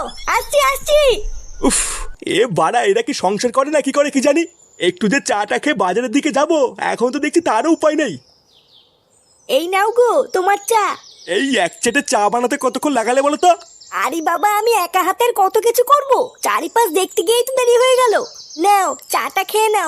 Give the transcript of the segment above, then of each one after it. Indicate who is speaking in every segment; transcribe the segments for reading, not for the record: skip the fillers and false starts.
Speaker 1: আসছি আসছি।
Speaker 2: উফ, এ বাড়া এরা কি সংসার করে না কি করে কি জানি। একটু যে চাটা খেয়ে বাজারের দিকে যাব, এখন তো দেখছি তারও উপায় নেই।
Speaker 1: এই নাও গো তোমার চা।
Speaker 2: এই এক চেটে চা বানাতে কতক্ষণ লাগালে বলো তো?
Speaker 1: আরে বাবা, আমি একা হাতের কত কিছু করব, চারিপাশ দেখতে গিয়েই তো দেরি হয়ে গেল। নাও চাটা খেয়ে নাও।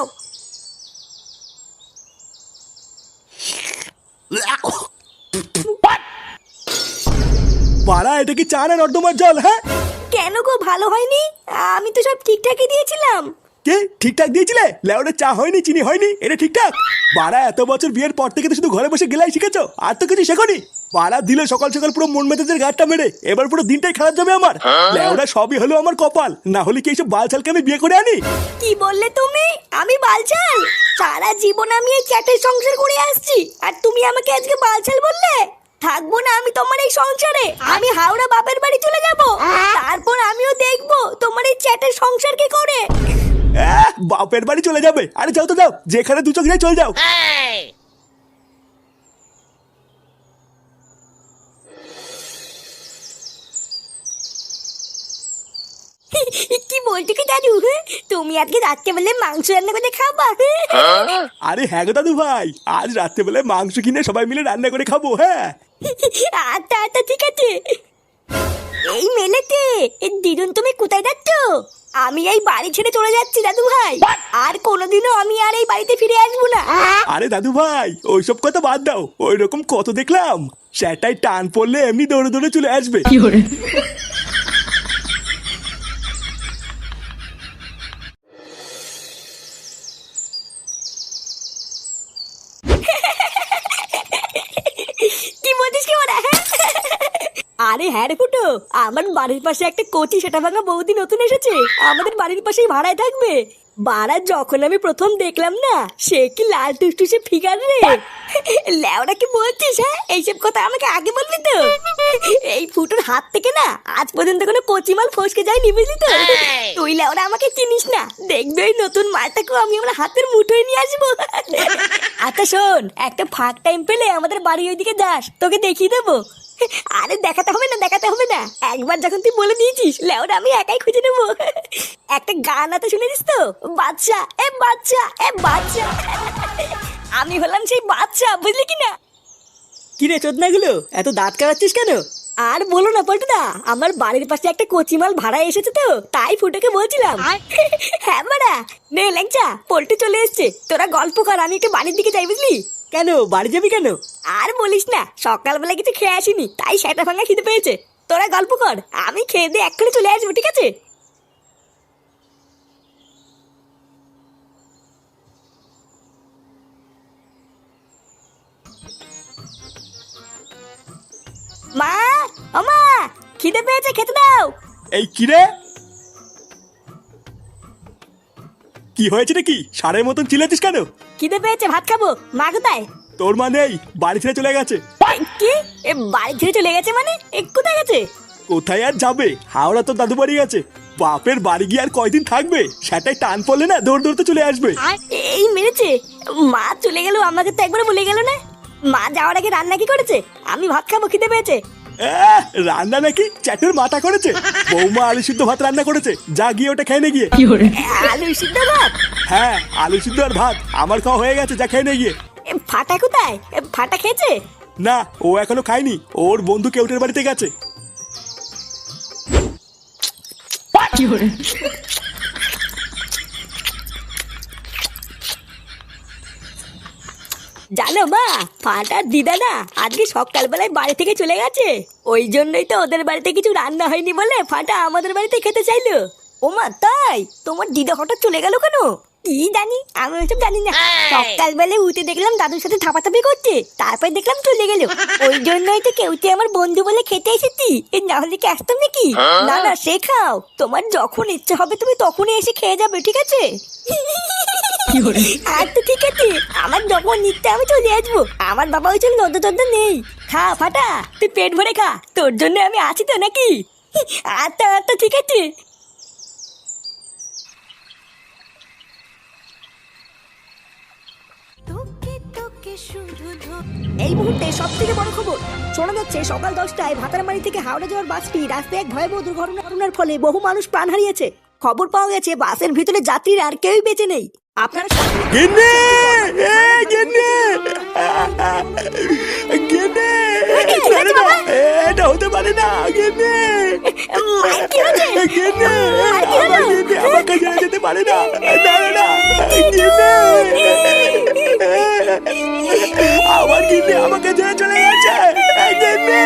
Speaker 2: বাড়া এটা কি চা না নর্দমার জল? হ্যাঁ,
Speaker 1: কেন গো, ভালো হয়নি? আমি তো সব ঠিকঠাকই দিয়েছিলাম।
Speaker 2: কে ঠিকঠাক দিয়েছিলে? লেওটা চা হয়নি, চিনি হয়নি, এটা ঠিকঠাক? বাড়া এত বছর বিয়ের পর থেকে তো শুধু ঘরে বসে গেলাই শিখেছো, আর তো কিছু শেখনি। বাড়া দিলে সকাল সকাল পুরো মন মেজাজের গাঁটটা মেরে, এবার পুরো দিনটাই খারাপ যাবে আমার। লেওটা সবই হলো আমার কপাল, না হলে কি এইসব বালছালকে আমি বিয়ে করে আনি?
Speaker 1: কি বললে তুমি? আমি বালছাল? সারা জীবন আমি এই চ্যাটের সংসার করে আসছি, আর তুমি আমাকে আজকে বালছাল বললে? থাকবো না আমি তোমার এই সংসারে। আমি হাওড়া বাপের বাড়ি চলে যাব, তারপর আমিও দেখবো তোমার এই চ্যাটের সংসার কি করে।
Speaker 2: বাপের বাড়ি চলে যাবে? আরে যাও তো যাও, যেখানে দু চোখ যায় চলে যাও।
Speaker 1: কি বলছো কি দাদু? তুমি আজকে রাত্রেবেলা মাংস রান্না করে খাবা?
Speaker 2: আরে হ্যাঁ গো দাদু ভাই, আজ রাত্রেবেলায় মাংস কিনে সবাই মিলে রান্না করে খাবো। হ্যাঁ
Speaker 1: আচ্ছা আচ্ছা ঠিক আছে। এই মেলেতে দিদুন, তুমি কোথায় যাচ্ছ? আমি এই বাড়ি ছেড়ে চলে যাচ্ছি দাদু ভাই, আর কোনোদিনও আমি আর এই বাড়িতে ফিরে আসবো না।
Speaker 2: আরে দাদু ভাই, ওইসব কথা বাদ দাও। ওই রকম কত দেখলাম, সেটাই টান পড়লে এমনি দৌড়ে দৌড়ে চলে আসবে।
Speaker 1: কি বলছিস কি ওরা? আরে হ্যাঁ রে ফুটো, আমার বাড়ির পাশে একটা কচি সেটা ভাঙা বৌদি নতুন এসেছে, আমাদের বাড়ির পাশেই ভাড়ায় থাকবে। বাড়া যখন আমি প্রথম দেখলাম না, সে কি লাল টুসটুসে ফিগার রে। ল্যাওড়া কি বলছিস? হ্যাঁ, এইসব কথা আমাকে আগে বলবি তো। এই ফুটোর হাত থেকে না আজ পর্যন্ত কোনো কচি মাল ফসকে যায়নি, বুঝলি তো? তুই ল্যাওড়া আমাকে চিনিস না, দেখবে ওই নতুন মালটাকেও আমি আমার হাতের মুঠোয় নিয়ে আসবো। আচ্ছা শোন, একটা ফাঁক টাইম পেলে আমাদের বাড়ির ওইদিকে যাস, তোকে দেখিয়ে দেবো। আরে দেখাতে হবে না, দেখাতে হবে না, একবার যখন তুই বলে দিয়েছিস লেওরা আমি একাই খুঁজে নেবো। একটা গান আছে, শুনেছিস তো? বাচ্চা এ বাচ্চা এ বাচ্চা। আমি হলাম সেই বাচ্চা, বুঝলি কি না?
Speaker 3: কি রে চোদনাগুলো, এত দাঁত কাটাচ্ছিস কেন?
Speaker 1: আর বলো না পল্টুদা, আমার বাড়ির পাশে একটা কচিমাল ভাড়া এসেছে তো, তাই ফুটোকে বলছিলাম। হ্যাঁ মারা, নে ল্যাংচা, পল্টু চলে এসছে, তোরা গল্প কর, আমি একটু বাড়ির দিকে যাই, বুঝলি?
Speaker 3: কেন বাড়ি যাবি কেন?
Speaker 1: আর বলিস না, সকালবেলা কিছু খেয়ে আসিনি, তাই সেটা ভাঙা খিদে পেয়েছে। তোরা গল্প কর, আমি খেয়ে দিয়ে এক্ষুনি চলে আসবো, ঠিক আছে? মা, ও মা, খিদে পেয়েছে, খেতে দাও।
Speaker 2: এই কি রে, কি হয়েছে নাকি? সারের মতন চিল্লাচ্ছিস কেন?
Speaker 1: খিদে পেয়েছে, ভাত খাবো। মা কোথায়?
Speaker 2: তোর মা নেই, বাড়ি ছেড়ে চলে গেছে।
Speaker 1: কি? এ বাড়ি ছেড়ে চলে গেছে মানে? এ কোথায় গেছে?
Speaker 2: কোথায় আর যাবে, হাওড়া তো দাদু বাড়ি গেছে। বাপের বাড়ি গিয়ে আর কয়দিন থাকবে, সেটাই টান পড়লে না দৌড় দৌড়তে চলে আসবে।
Speaker 1: এই মেরেছে, মা চলে গেল, আমাকে তো একবার বলে গেল না। মা যাওয়ার আগে রান্না কি করেছে? আমি ভাত খাবো, খিদে পেয়েছে।
Speaker 2: রান্না নাকি চ্যাটের মাথা করেছে। বৌমা আলু সিদ্ধ ভাত রান্না করেছে, যা গিয়ে ওটা খেয়ে নে গিয়ে।
Speaker 1: আলু সিদ্ধ ভাত?
Speaker 2: হ্যাঁ, আলু সিদ্ধ আর ভাত আমার খাওয়া হয়ে গেছে, যা খেয়ে নে গিয়ে।
Speaker 1: ফাটা কোথায়? ফাটা খেয়েছে?
Speaker 2: না, ও এখনো খায়নি, ওর বন্ধু কেউটের বাড়িতে গেছে।
Speaker 1: জানো মা, ফাটার দিদা না আজকে সকালবেলায় বাড়ি থেকে চলে গেছে, ওই জন্যই তো ওদের বাড়িতে কিছু রান্না হয়নি বলে ফাটা আমাদের বাড়িতে খেতে চাইলো। ও মা, তাই? তোমার দিদা হঠাৎ চলে গেল কেন? কি জানি, আমি ওইসব জানি না। সকালবেলায় উঠে দেখলাম দাদুর সাথে থাপাথাপি করছে, তারপর দেখলাম চলে গেল। ওই জন্যই তো কেউতে আমার বন্ধু বলে খেতে এসেছি, না হলে কি আসতাম নাকি? না না, সে খাও, তোমার যখন ইচ্ছা হবে তুমি তখনই এসে খেয়ে যাবে, ঠিক আছে? আচ্ছা ঠিক আছে, আমার যখন ইচ্ছা আমি চলে আসবো, আমার বাবা ওই জন্য নদ্য টদ্য নেই। খা ফাটা, তুই পেট ভরে খা, তোর জন্য আমি আছি তো নাকি? আচ্ছা আচ্ছা ঠিক আছে। তোকে তোকে এই মুহূর্তে সব থেকে বড় খবর শোনা যাচ্ছে সকাল 10টায় ভাতারমারি থেকে হাওড়া যাওয়ার বাসটি রাস্তায় এক ভয়াবহ দুর্ঘটনার ফলে বহু মানুষ প্রাণ হারিয়েছে। খবর পাওয়া গেছে বাসের ভিতরে যাত্রীরা আর কেউই বেঁচে নেই। আপনারা
Speaker 2: গিন্নি গিন্নি গিন্নি ছেড়ে দাও, এটা হতে পারে না গিন্নি গিন্নি আমার গিন্নি আমাকে ছেড়ে যেতে পারে না, না না না গিন্নি আমার গিন্নি আমাকে ছেড়ে চলে গেছে গিন্নি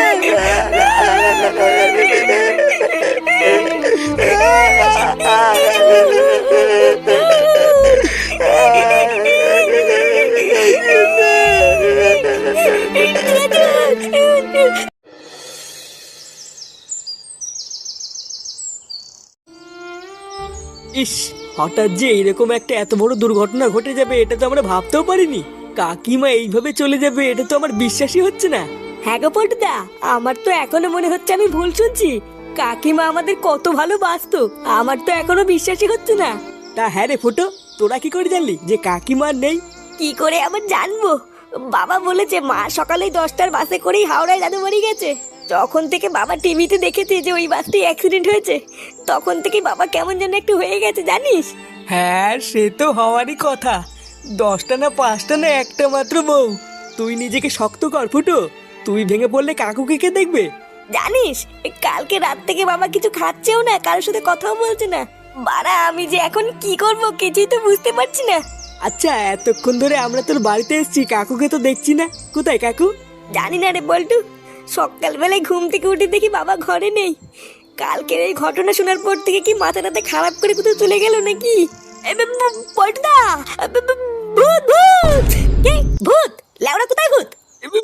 Speaker 3: ইস, হঠাৎ যে এরকম একটা এত বড় দুর্ঘটনা ঘটে যাবে এটা তো আমরা ভাবতেও পারিনি। কাকিমা এইভাবে চলে যাবে এটা তো আমার বিশ্বাসই হচ্ছে না।
Speaker 1: হ্যাঁ গো পল্টুদা, আমার তো এখনো মনে হচ্ছে আমি ভুল শুনছি। কাকিমা আমাদের কত ভালোবাসতো, আমার তো এখনো বিশ্বাসই হচ্ছে না।
Speaker 3: তা হ্যাঁ রে ফুটো, তোরা কি করে জানলি যে কাকিমা আর নেই?
Speaker 1: কি করে আবার জানবো? বাবা বলেছে মা সকালেই 10টার বাসে করেই হাওড়ায় দাদু বাড়ি গেছে। যখন থেকে বাবা টিভিতে দেখেছে যে ওই বাসটি অ্যাক্সিডেন্ট হয়েছে তখন থেকে বাবা কেমন যেন একটু হয়ে গেছে জানিস।
Speaker 3: হ্যাঁ সে তো হওয়ারই কথা। 10টা না 5টা না একটা মাত্র বউ। তুই নিজেকে শক্ত কর ফুটো, তুই ভেঙে পড়লে কাকুকে কে দেখবে?
Speaker 1: জানিস কালকে রাত থেকে বাবা কিছু খাচ্ছেও না, কারোর সাথে কথাও বলছে না। বাড়া আমি যে এখন কি করব কিছুই তো বুঝতে পারছি না।
Speaker 3: আচ্ছা এতক্ষণ ধরে আমরা তোর বাড়িতে এসেছি, কাকুকে তো দেখছি না, কোথায় কাকু?
Speaker 1: জানি না রে বল্টু, সকালবেলায় ঘুম থেকে উঠে দেখি বাবা ঘরে নেই। কালকের এই ঘটনা শোনার পর থেকে কি মাথাটাতে খারাপ করে কোথাও চলে গেল নাকি? পল্টুদা, ভূত ভূত! কে ভূত? লেওড়া কোথায় ভূত?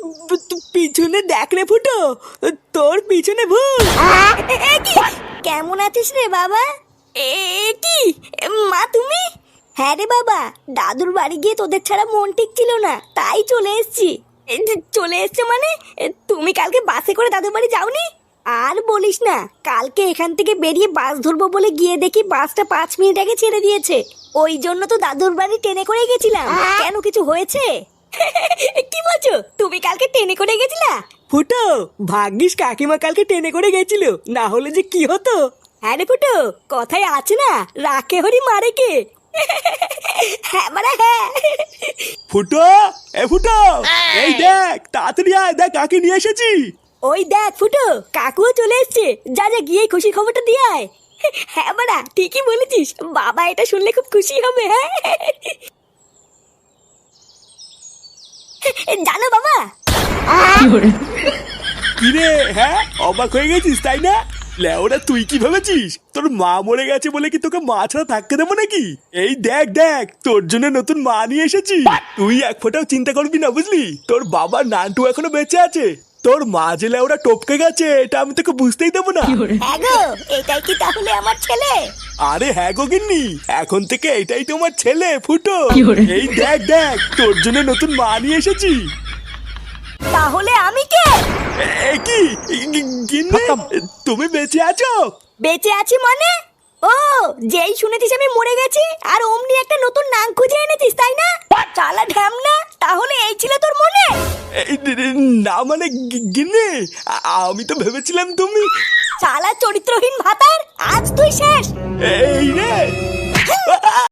Speaker 3: পিছনে দেখ রে ফুটো, তোর পিছনে ভূত।
Speaker 1: এ কি? কেমন আছিস রে বাবা? এ কি মা তুমি? হ্যাঁ রে বাবা, দাদুর বাড়ি গিয়ে তোদের ছাড়া মন ঠিক ছিল না, তাই চলে এসেছি। চলে এসছো মানে? তুমি কালকে বাসে করে দাদুর বাড়ি যাওনি? আর বলিস না, কালকে এখান থেকে বেরিয়ে বাস ধরবো বলে গিয়ে দেখি বাসটা 5 মিনিট আগে ছেড়ে দিয়েছে। ওই জন্য তো দাদুর বাড়ি ট্রেনে করে গেছিলাম। কেন কিছু হয়েছে? কি বলছো? তুমি কালকে ট্রেনে করে গেছিলা?
Speaker 3: ফুটো ভাগ্যিস কাকিমা কালকে ট্রেনে করে গেছিল, না হলে যে কি হতো।
Speaker 1: হ্যাঁ রে ফুটো, কথায় আছে না, রাখে হরি মারে কে। হ্যাঁ মানে হ্যাঁ।
Speaker 2: ফুটো এ ফুটো এই দেখ তাড়াতাড়ি আয়, দেখ কাকে নিয়ে এসেছি।
Speaker 1: ওই দেখ ফুটো, কাকুও চলে এসছে। যা যা গিয়ে খুশি খবরটা দিয়ে আয়। হ্যাঁ বাড়া ঠিকই বলেছিস, বাবা এটা শুনলে খুব খুশি হবে। হ্যাঁ জানো বাবা,
Speaker 2: কি রে, হ্যাঁ অবাক হয়ে গেছিস তাই না? লেওরা তুই কি ভেবেছিস তোর মা মরে গেছে বলে কি তোকে মা ছাড়া থাকতে দেবো নাকি? এই দেখ দেখ তোর জন্য নতুন মা নিয়ে এসেছি। তুই এক ফোঁটাও চিন্তা করবি না বুঝলি, তোর বাবার নানটু এখনো বেঁচে আছে। তোর মা যে লেওরা টপকে গেছে এটা আমি তোকে বুঝতেই দেবো না।
Speaker 1: হ্যাঁ গো, এটাই কি তাহলে আমার ছেলে?
Speaker 2: আরে হ্যাঁ গো গিন্নি, এখন থেকে এটাই তোমার ছেলে ফুটো। এই দেখ দেখ তোর জন্য নতুন মা নিয়ে এসেছি।
Speaker 1: তাহলে আমি কে?
Speaker 2: এ কি গিন্নি, তুমি বেঁচে আছো?
Speaker 1: বেঁচে আছি মানে? ও, যেই শুনেছিস আমি মরে গেছি আর অমনি একটা নতুন নাম খুঁজে এনেছিস তাই না? চালা ঢ্যামনা, তাহলে এই ছিল তোর মনে?
Speaker 2: না মানে গিন্নি, আমি তো ভেবেছিলাম তুমি।
Speaker 1: চালা চরিত্রহীন ভাতার, আজ তুই শেষ।
Speaker 2: এই রে